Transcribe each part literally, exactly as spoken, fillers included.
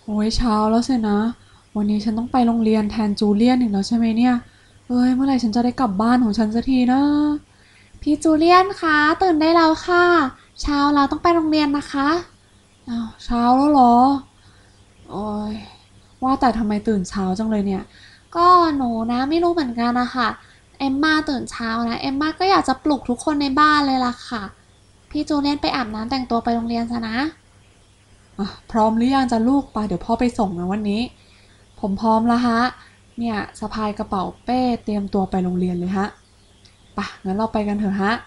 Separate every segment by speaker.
Speaker 1: โอ้ยเช้าแล้วสินะวันนี้ฉันต้องไปโรงเรียนแทนจูเลียนอีกแล้วใช่ไหมเนี่ยเอ้ยเมื่อไหร่ฉันจะได้กลับบ้านของฉันสักทีนะพี่จูเลียนคะตื่นได้แล้วค่ะเช้าเราต้องไปโรงเรียนนะคะอ้าวเช้าแล้วเหรอโอ้ยว่าแต่ทำไมตื่นเช้าจังเลยเนี่ยก็หนูนะไม่รู้เหมือนกันนะคะเอมมาตื่นเช้านะเอมมาก็อยากจะปลุกทุกคนในบ้านเลยล่ะค่ะพี่จูเลียนไปอาบน้ำแต่งตัวไปโรงเรียนซะนะ อ่ะพร้อมหรือยังจะลูกไปเดี๋ยวพ่อไปส่งนะวันนี้ผมพร้อมแล้วฮะเนี่ยสะพายกระเป๋าเป้เตรียมตัวไปโรงเรียนเลยฮะไปะงั้นเราไปกันเถอะฮะ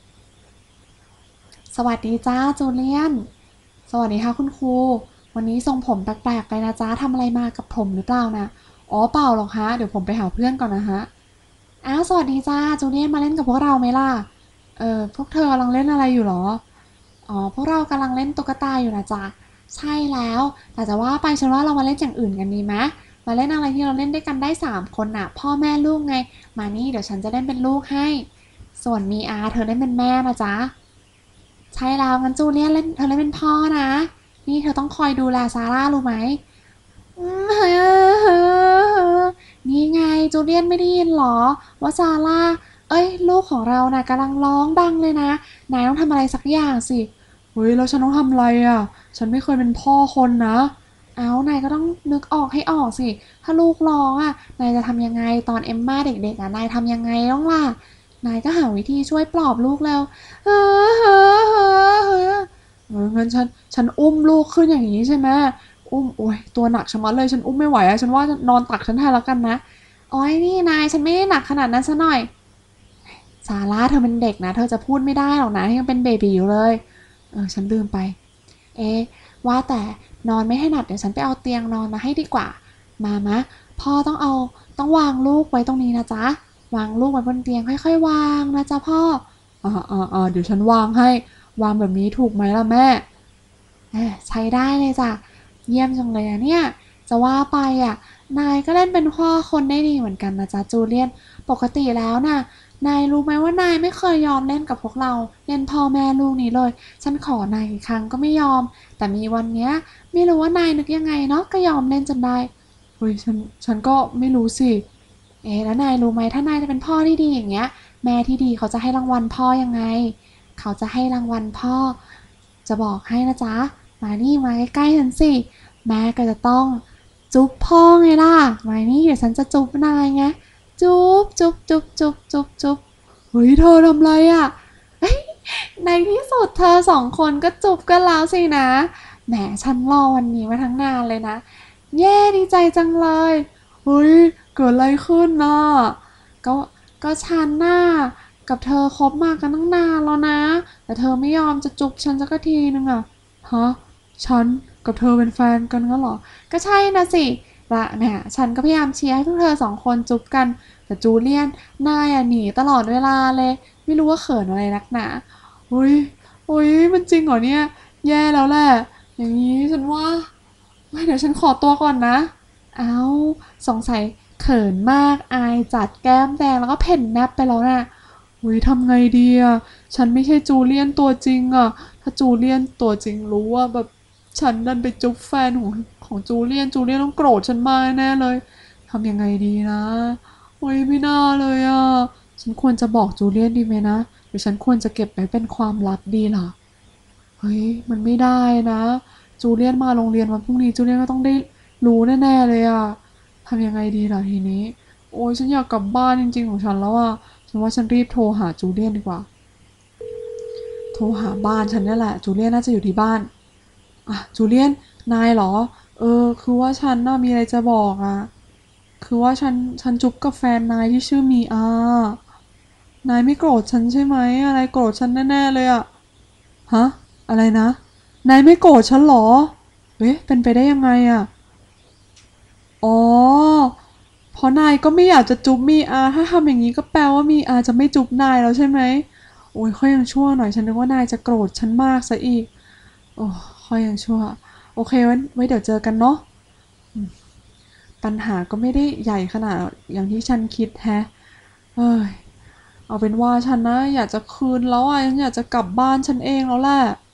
Speaker 1: สวัสดีจ้าจูเลียนสวัสดีค่ะคุณครูวันนี้ทรงผมแปลกๆไปนะจ้าทำอะไรมากับผมหรือเปล่านะอ๋อเปล่าหรอกฮะเดี๋ยวผมไปหาเพื่อนก่อนนะฮะอ้าวสวัสดีจ้าจูเลียนมาเล่นกับพวกเราไหมล่ะเออพวกเธอกำลังเล่นอะไรอยู่หรออ๋อพวกเรากำลังเล่นตุ๊กตาอยู่นะจ๊ะ ใช่แล้วแต่จะว่าไปฉันว่าเรามาเล่นอย่างอื่นกันดีไหมมาเล่นอะไรที่เราเล่นด้วยกันได้สามคนน่ะพ่อแม่ลูกไงมานี่เดี๋ยวฉันจะเล่นเป็นลูกให้ส่วนมีอาเธอเล่นเป็นแม่นะจ๊ะใช่แล้วงั้นจูเลียนเล่นเธอเล่นเป็นพ่อนะนี่เธอต้องคอยดูแลซาร่ารู้ไหมอืมเฮ้อนี่ไงจูเลียนไม่ได้ยินหรอว่าซาร่าเอ้ยลูกของเราน่ะกำลังร้องดังเลยนะนายต้องทำอะไรสักอย่างสิเฮ้ยแล้วฉันต้องทำอะไรอ่ะฉันไม่เคยเป็นพ่อคนนะ เอานายก็ต้องนึกออกให้ออกสิ ถ้าลูกร้องอ่ะนายจะทำยังไงตอนเอมม่าเด็กๆอ่ะนายทำยังไงต้องล่ะนายก็หาวิธีช่วยปลอบลูกแล้วเฮ้อเฮ้อเฮ้อเฮ้อเอองั้นฉันฉันอุ้มลูกขึ้นอย่างนี้ใช่ไหมอุ้มโอ้ยตัวหนักชะมัดเลยฉันอุ้มไม่ไหวอะฉันว่านอนตักฉันแทนแล้วกันนะโอ้ยนี่นายฉันไม่ได้หนักขนาดนั้นซะหน่อยซาร่าเธอเป็นเด็กนะเธอจะพูดไม่ได้หรอกนะยังเป็นเบบีอยู่เลยเออฉันลืมไป เอ๊ะว่าแต่นอนไม่ให้หนักเดี๋ยวฉันไปเอาเตียงนอนมาให้ดีกว่ามามะพ่อต้องเอาต้องวางลูกไว้ตรงนี้นะจ๊ะวางลูกไว้บนเตียงค่อยๆวางนะจ๊ะพ่ออ่าอ่าอ่าเดี๋ยวฉันวางให้วางแบบนี้ถูกไหมล่ะแม่เออใช้ได้เลยจ้ะเยี่ยมจังเลยอะเนี่ยจะว่าไปอ่ะนายก็เล่นเป็นพ่อคนได้ดีเหมือนกันนะจ๊ะจูเลียนปกติแล้วน่ะนายรู้ไหมว่านายไม่เคยยอมเล่นกับพวกเราเล่นพ่อแม่ลูกนี้เลยฉันขอนายกี่ครั้งก็ไม่ยอม แต่มีวันเนี้ยไม่รู้ว่านายนึกยังไงเนาะก็ยอมเล่นจนได้เฮ้ยฉันฉันก็ไม่รู้สิเอ๊ะแล้วนายรู้ไหมถ้านายจะเป็นพ่อที่ดีอย่างเงี้ยแม่ที่ดีเขาจะให้รางวัลพ่อยังไงเขาจะให้รางวัลพ่อจะบอกให้นะจ๊ะมานี่มาใกล้ๆฉันสิแม่ก็จะต้องจุ๊บพ่อไงล่ะมานี่เดี๋ยวฉันจะจุ๊บนายไงจุ๊บจุ๊บจุ๊บจุ๊บจุ๊บจุ๊บเฮ้ยเธอทำไรอ่ะ ในที่สุดเธอสองคนก็จูบกันแล้วสินะแหมฉันรอวันนี้มาทั้งนานเลยนะเย้ดีใจจังเลยเฮ้ยเกิดอะไรขึ้นน่ะก็ก็ฉันน่ะกับเธอคบมากันตั้งนานแล้วนะแต่เธอไม่ยอมจะจูบฉันสักทีนึงอะฮะฉันกับเธอเป็นแฟนกันงั้นเหรอก็ใช่นะสิละเนี่ยฉันก็พยายามเชียร์ให้พวกเธอสองคนจูบกันแต่จูเลียนนายอะหนีตลอดเวลาเลยไม่รู้ว่าเขินอะไรนักหนา โอ้ยโอ้ยมันจริงเหรอเนี่ยแย่แล้วแหละอย่างนี้ฉันว่าเดี๋ยวฉันขอตัวก่อนนะเอาสงสัยเขินมากอายจัดแก้มแดงแล้วก็เพ่นแนบไปแล้วนะโอ้ยทำไงดีอ่ะฉันไม่ใช่จูเลียนตัวจริงอ่ะถ้าจูเลียนตัวจริงรู้ว่าแบบฉันดันไปจุ๊บแฟนของของจูเลียนจูเลียนต้องโกรธฉันมากแน่เลยทำยังไงดีนะโอ้ยไม่น่าเลยอ่ะฉันควรจะบอกจูเลียนดีไหมนะ หรือฉันควรจะเก็บไว้เป็นความลับดีล่ะเฮ้ยมันไม่ได้นะจูเลียนมาโรงเรียนวันพรุ่งนี้จูเลียนก็ต้องได้รู้แน่ๆเลยอะทำยังไงดีล่ะทีนี้โอ้ยฉันอยากกลับบ้านจริงๆของฉันแล้วอะฉันว่าฉันรีบโทรหาจูเลียนดีกว่าโทรหาบ้านฉันนี่แหละจูเลียนน่าจะอยู่ที่บ้านอ่ะจูเลียนนายเหรอเออคือว่าฉันน่ะมีอะไรจะบอกอะคือว่าฉันฉันจุ๊บกับแฟนนายที่ชื่อมีอา นายไม่โกรธฉันใช่ไหมอะไรโกรธฉันแน่ๆเลยอะฮะอะไรนะนายไม่โกรธฉันเหรอเอ๊ะเป็นไปได้ยังไงอะอ๋อเพราะนายก็ไม่อยากจะจุ๊บมีอาถ้าทำอย่างนี้ก็แปลว่ามีอาจะไม่จุ๊บนายแล้วใช่ไหมโอ้ยค่อยยังชั่วหน่อยฉันนึกว่านายจะโกรธฉันมากซะอีกโอ้ค่อยยังชั่วโอเคไว้ไว้เดี๋ยวเจอกันเนาะปัญหาก็ไม่ได้ใหญ่ขนาดอย่างที่ฉันคิดแฮะเอ้ย เอาเป็นว่าฉันนะอยากจะคืนแล้วอ่ะฉันอยากจะกลับบ้านฉันเองแล้วแหละ